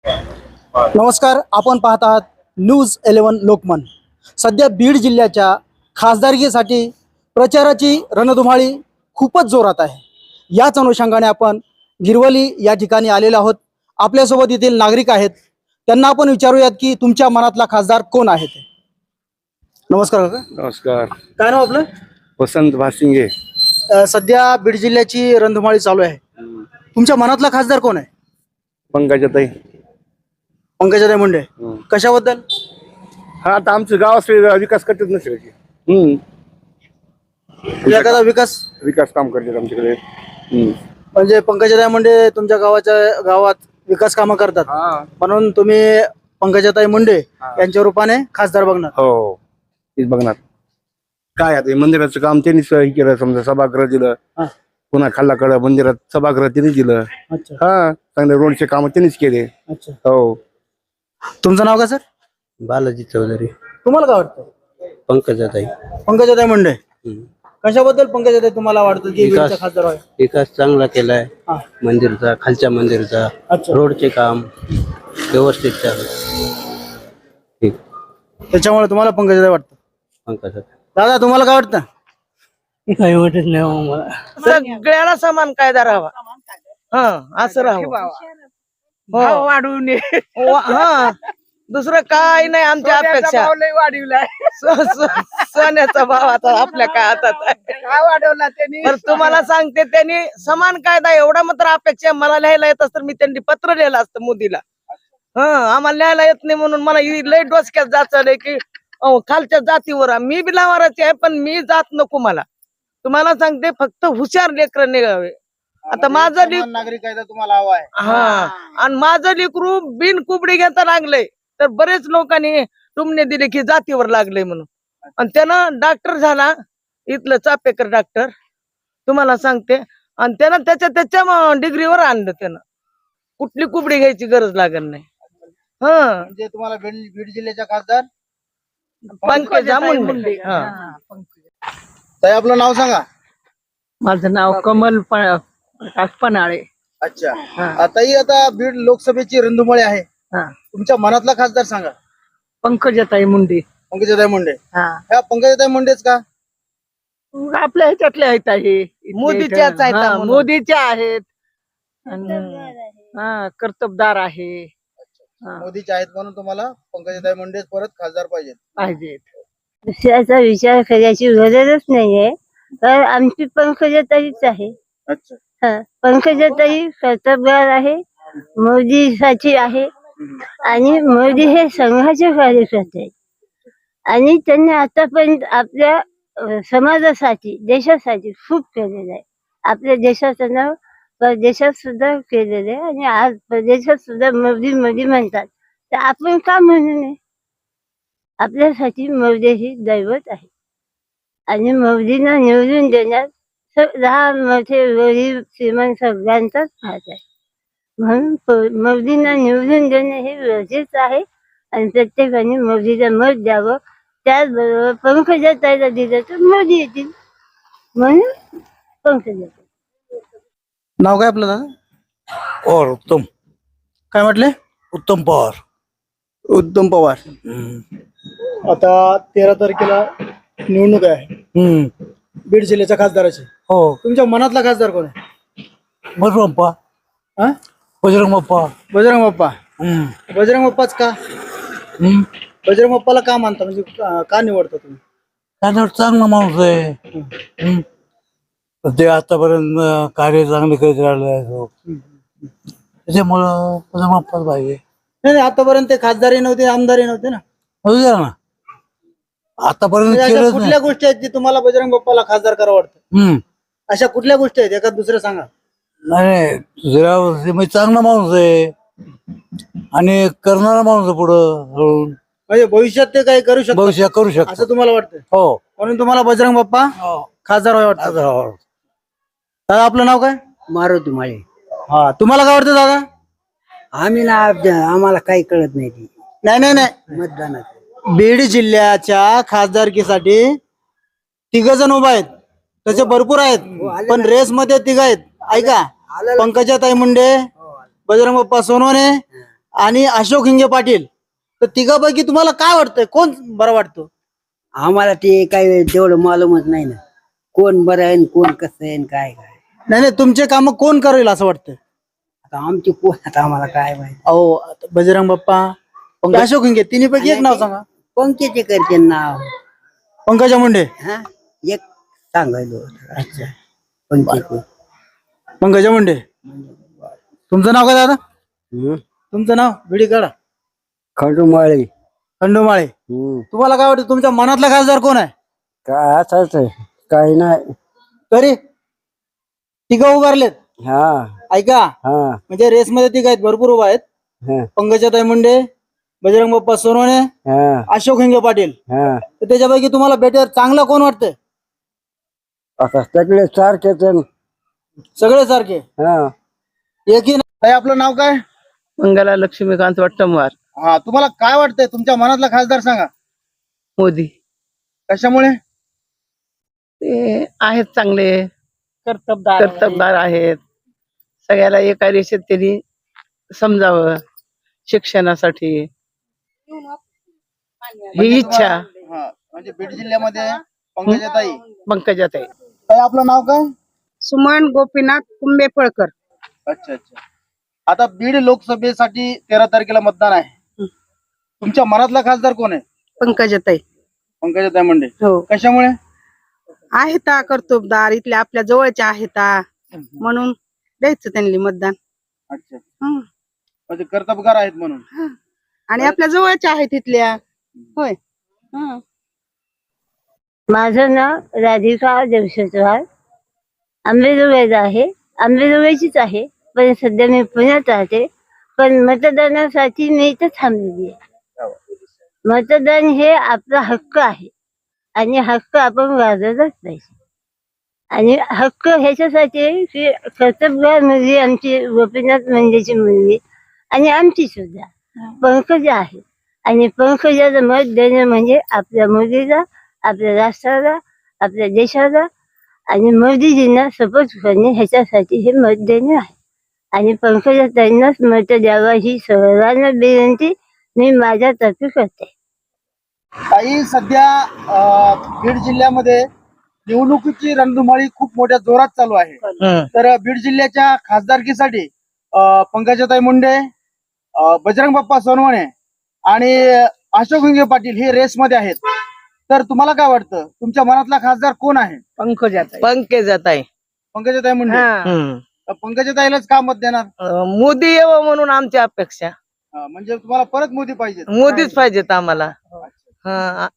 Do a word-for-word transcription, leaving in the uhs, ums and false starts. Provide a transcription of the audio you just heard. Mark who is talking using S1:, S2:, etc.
S1: नमस्कार, आपण पाहत आहात न्यूज इलेव्हन लोकमन। सध्या बीड जिल्ह्याच्या खासदारकीसाठी प्रचाराची रणधुमाळी खूपच जोरात आहे। याच अनुषंगाने आपण गिरवली या ठिकाणी आलेलो आहोत। आपल्यासोबत येथील नागरिक आहेत, त्यांना आपण विचारूयात की तुमच्या मनातला खासदार कोण आहे ते। नमस्कार काका।
S2: नमस्कार।
S1: काय नाव आपलं?
S2: वसंत भासिंगे।
S1: अ, सध्या बीड जिल्ह्याची रणधुमाळी चालू आहे, तुमच्या मनातला खासदार कोण आहे?
S2: पंकजाताई।
S1: पंकजाताई मुंडे। कशाबद्दल?
S2: हा, आता आमचं गाव असले विकास करतात ना सगळे। हम्म
S1: एखादा विकास
S2: विकास काम करतात आमच्याकडे। हम्म
S1: म्हणजे पंकजाताई मुंडे तुमच्या गावाच्या गावात विकास कामं करतात,
S2: हा
S1: म्हणून तुम्ही पंकजाताई मुंडे यांच्या रूपाने खासदार बघणार?
S2: हो, तेच बघणार। काय आता हे मंदिराचं काम त्यांनीच हे केलं, समजा सभागृह दिलं, पुन्हा खाल्लाकडं मंदिरात सभागृह त्यांनी दिलं।
S1: अच्छा
S2: हा, चांगले रोडचे काम त्यांनीच केले।
S1: अच्छा।
S2: हो।
S1: तुमचं नाव काय सर?
S3: बालाजी चौधरी।
S1: तुम्हाला काय वाटतं?
S3: पंकजाताई।
S1: पंकजाताई मुंडे। कशाबद्दल पंकजाताई तुम्हाला वाटतं की
S3: विकास-
S1: बीडच्या खासदार व्हावे?
S3: विकास चांगला केलाय
S1: हा.
S3: मंदिरचा, खालच्या मंदिरचा,
S1: अच्छा।
S3: रोडचे काम व्यवस्थित चालू ठीक।
S1: त्याच्यामुळे तुम्हाला पंकजाताई वाटतं?
S3: पंकजाताई।
S1: दादा तुम्हाला काय वाटतं?
S3: काही वाटत नाही मला,
S4: सगळ्याला समान कायदा राहावा, हा असं राहावं, भाव वाढवू नये, हा दुसरं काय नाही आमच्या अपेक्षा। स- स- सोन्याचा भाव आता आपल्या काय हातात आहे? काय वाढवला त्यांनी? तर तुम्हाला सांगते, त्यांनी समान कायदा एवढा मात्र अपेक्षा आहे। मला लिहायला येत असतं मी त्यांनी पत्र लिहिलं असतं मोदीला। हा, आम्हाला लिहायला येत नाही म्हणून मला ही लय डोसक्यात जाचलंय की अहो, खालच्या जातीवर आहे। मी बी लावाराची आहे, पण मी जात नको मला। तुम्हाला सांगते, फक्त हुशार लेकर निघावे। आता माझं लेक
S1: नागरिक कायदा तुम्हाला हवा आहे?
S4: हा, आणि माझं लेकरू बिन कुबडी घेता लागलंय, तर बरेच लोकांनी टुमणे दिले की जातीवर लागले म्हणून, आणि त्यानं डॉक्टर झाला, इथलं चापेकर डॉक्टर, तुम्हाला सांगते, आणि त्यानं त्याच्या त्याच्या डिग्रीवर आणलं, त्यानं कुठली कुबडी घ्यायची गरज लागत नाही। हा,
S1: म्हणजे तुम्हाला बीड बीड जिल्ह्याच्या खासदार
S4: पंकजा मुंडे। हा,
S1: ताई आपलं नाव सांगा।
S5: माझं नाव कमल प- प्रकाश पनाळे।
S1: अच्छा। ताई आता बीड लोकसभेची रणधुमाळी आहे,
S5: हा,
S1: तुमच्या मनातला खासदार सांगा।
S5: पंकजाताई मुंडे।
S1: पंकजाताई मुंडे।
S5: हा,
S1: ह्या पंकजाताई मुंडेच का?
S5: मग आपल्या ह्याच्यातले आहेत आहे, इथले
S4: मोदीच्याच
S5: इथं.
S4: आहेत
S5: हा,
S4: म्हणून.
S5: मोदीच्या आहेत, आणि हा कर्तबदार आहे, हा,
S1: मोदीचे आहेत म्हणून तुम्हाला पंकजाताई मुंडेच परत खासदार पाहिजेत?
S5: पाहिजेत।
S6: दुसऱ्याचा विचार करायची गरजच नाहीये, तर आमची पंकजाताईच आहे।
S1: अच्छा।
S6: हा, पंकजाताई कर्तबगार आहे, मोदीसाठी आहे, आणि मोदी हे संघाचे कार्यकर्ते आहेत, आणि त्यांनी आतापर्यंत आपल्या अ, समाजासाठी, देशासाठी खूप केलेलं आहे। आपल्या देशाचं नाव परदेशात सुद्धा केलेलं आहे, आणि आज परदेशात सुद्धा मोदी मोदी म्हणतात, तर आपण का म्हणू नये? आपल्यासाठी मोदी ही दैवत आहे, आणि मोदींना निवडून देण्यात स- लहान मोठे गरीब श्रीमंत सगळ्यांचाच हात आहे, म्हणून प- मोदींना निवडून देणे हे गरजेचं आहे, आणि प्रत्येकाने मोदीला मत द्यावं। त्याचबरोबर पंकजाताईला दिलं तर मोदी येतील, म्हणून पंकजाताई।
S1: नाव काय आपलं दादा?
S7: पवार उत्तम
S1: काय म्हटले?
S7: उत्तम पवार।
S1: उत्तम पवार। आता तेरा तारखेला निवडणूक आहे
S7: हम्म
S1: बीड जिल्ह्याच्या खासदाराची,
S7: हो,
S1: तुमच्या मनातला खासदार कोण आहे?
S7: बजरंग बाप्पा।
S1: हा?
S7: बजरंग बाप्पा।
S1: बजरंग बाप्पा।
S7: हम्म
S1: बजरंग बाप्पाच का?
S7: हम्म
S1: बजरंग बाप्पाला का मानता, म्हणजे का का निवडता तुम्ही?
S7: त्याच्यावर चांगला माणूस आहे। हम्म. ते आतापर्यंत अं, कार्य चांगले करीत राहिले आहे तो. त्याच्यामुळं बजरंग बाप्पाच पाहिजे।
S1: नाही नाही, आतापर्यंत ते खासदारही नव्हते, आमदारही नव्हते ना,
S7: होऊ द्या ना, आतापर्यंत
S1: म्हणजे अशा
S7: केलंच नाही।
S1: कुठल्या गोष्टी आहेत की तुम्हाला बजरंग बाप्पाला खासदार करावं वाटतं?
S7: हम्म
S1: अशा कुठल्या गोष्टी आहेत, एका दुसरं सांगा।
S7: नाही नाही, जरा म्हणजे चांगला माणूस आहे, आणि करणारा माणूस आहे पुढं हळून,
S1: म्हणजे भविष्यात ते काही करू शकतो
S7: भविष्य करू शकतो
S1: असं तुम्हाला वाटतं,
S7: हो।
S1: म्हणून तुम्हाला बजरंग बाप्पा
S7: हो.
S1: खासदार व्हावे वाटतं?
S7: आता
S1: दादा आपलं नाव काय?
S3: मारुती माळे।
S1: हा, तुम्हाला काय वाटतं दादा?
S3: आम्ही ना, आम्हाला काही कळत नाही ती
S1: नाही नाही नाही,
S3: मतदानात।
S1: बीड जिल्ह्याच्या खासदारकीसाठी तिघ जण उभा आहेत, तसे भरपूर आहेत, पण रेस मध्ये तिघ आहेत, ऐका, पंकजाताई मुंडे, बजरंग बाप्पा सोनवणे आणि अशोक हिंगे पाटील, तर तिघापैकी तुम्हाला काय वाटतंय, कोण बरं वाटतो?
S3: आम्हाला ते काही तेवढं मालूमच नाही ना, कोण बरं आहे आणि कोण कसं आहे आणि काय काय.
S1: नाही नाही, तुमचे काम कोण करेल असं वाटतंय?
S3: आता आमची कोण, आता आम्हाला काय माहिती.
S1: अहो आता बजरंग बाप्पा, पंकज अशोक हिंगे, तिन्हीपैकी एक नाव सांगा.
S3: पंकचे करते नाव.
S1: पंकजा मुंडे.
S3: हा, एक सांगायलो. अच्छा, पंकचे.
S1: पंकजा मुंडे. तुमचं नाव काय दादा? तुमचं नाव बिडी काढा.
S3: खंडूमाळी.
S1: खंडोमाळे. तुम्हाला काय वाटतं, तुमच्या मनातला खासदार कोण आहे?
S3: काय असंच आहे, काही नाही.
S1: तरी तिघं उभारलेत.
S3: हा
S1: ऐका,
S3: हा
S1: म्हणजे रेस मध्ये तिघ आहेत, भरपूर उभा आहेत.
S3: हा
S1: पंकजाताई मुंडे, बजरंग बाप्पा सोनवणे,
S3: हा
S1: अशोक हिंगे पाटील.
S3: हा.
S1: तर त्याच्यापैकी तुम्हाला बेटर चांगला कोण वाटतंय?
S3: आता सगळे सारखेच आहे.
S1: सगळे सारखे,
S3: हा.
S1: एकही नाही. ताई, आपलं नाव काय?
S5: मंगला लक्ष्मीकांत वट्टमवार.
S1: हा, तुम्हाला काय वाटतंय, तुमच्या मनातला खासदार सांगा.
S5: मोदी.
S1: कशामुळे?
S5: ते आहेत चांगले,
S4: कर्तबदार
S5: कर्तबदार आहेत. सगळ्याला एका रेषेत त्यांनी समजावं शिक्षणासाठी, ही इच्छा.
S1: हा, म्हणजे बीड जिल्ह्यामध्ये पंकजाताई.
S5: पंकजाताई.
S1: ताई, आपलं नाव काय?
S4: सुमन गोपीनाथ कुंभेफळकर.
S1: अच्छा अच्छा. आता बीड लोकसभेसाठी तेरा तारखेला मतदान आहे. तुमच्या मनातला खासदार कोण आहे?
S4: पंकजाताई.
S1: पंकजाताई मुंडे.
S4: हो,
S1: कशामुळे?
S4: आहेत कर्तबदार, इथल्या आपल्या जवळच्या आहेत म्हणून द्यायचं त्यांनी मतदान.
S1: अच्छा,
S4: हं.
S1: म्हणजे कर्तबगार आहेत म्हणून.
S4: आणि आपल्या जवळच्या आहेत इथल्या. होय. हं.
S6: माझं नाव राधिका जमशेदवार, आंबेजोगाईचं आहे. आंबेजोगाईचीच आहे, पण सध्या मी पुण्यात राहते. पण मतदानासाठी मी इथं थांबलेली आहे. मतदान हे आपला हक्क आहे आणि हक्क आपण गाजवलाच पाहिजे. आणि हक्क ह्याच्यासाठी आहे की कर्तबगार मुलगी आमची गोपीनाथ मुंडेची मुलगी आणि आमची सुद्धा पंकजा आहे. आणि पंकजाचं मत देणं म्हणजे आपल्या मुलीला, आपल्या राष्ट्राला, आपल्या देशाला आणि मोदीजींना सपोर्ट करणे, ह्याच्यासाठी हे मत देणे आहे. आणि पंकजाताईंनाच मत द्यावं ही सर्वांना विनंती मी माझ्यातर्फे करते.
S1: ताई, सध्या अं, बीड जिल्ह्यामध्ये निवडणुकीची रणधुमाळी खूप मोठ्या जोरात चालू आहे.
S4: हं.
S1: तर बीड जिल्ह्याच्या खासदारकीसाठी अं, पंकजाताई मुंडे, अं, बजरंग बाप्पा सोनवणे आणि अशोक हिंगे पाटील हे रेस मध्ये आहेत. तर तुम्हाला काय वाटतं, तुमच्या मनातला खासदार कोण आहे?
S5: पंकजाताई.
S4: पंकजाताई.
S1: पंकजाताई मुंडे.
S4: हं.
S1: तर पंकजाताईलाच का मत देणार?
S4: अं, मोदी यावं म्हणून आमची अपेक्षा.
S1: अं, म्हणजे तुम्हाला परत मोदी पाहिजे?
S4: मोदीच पाहिजेत आम्हाला. हा,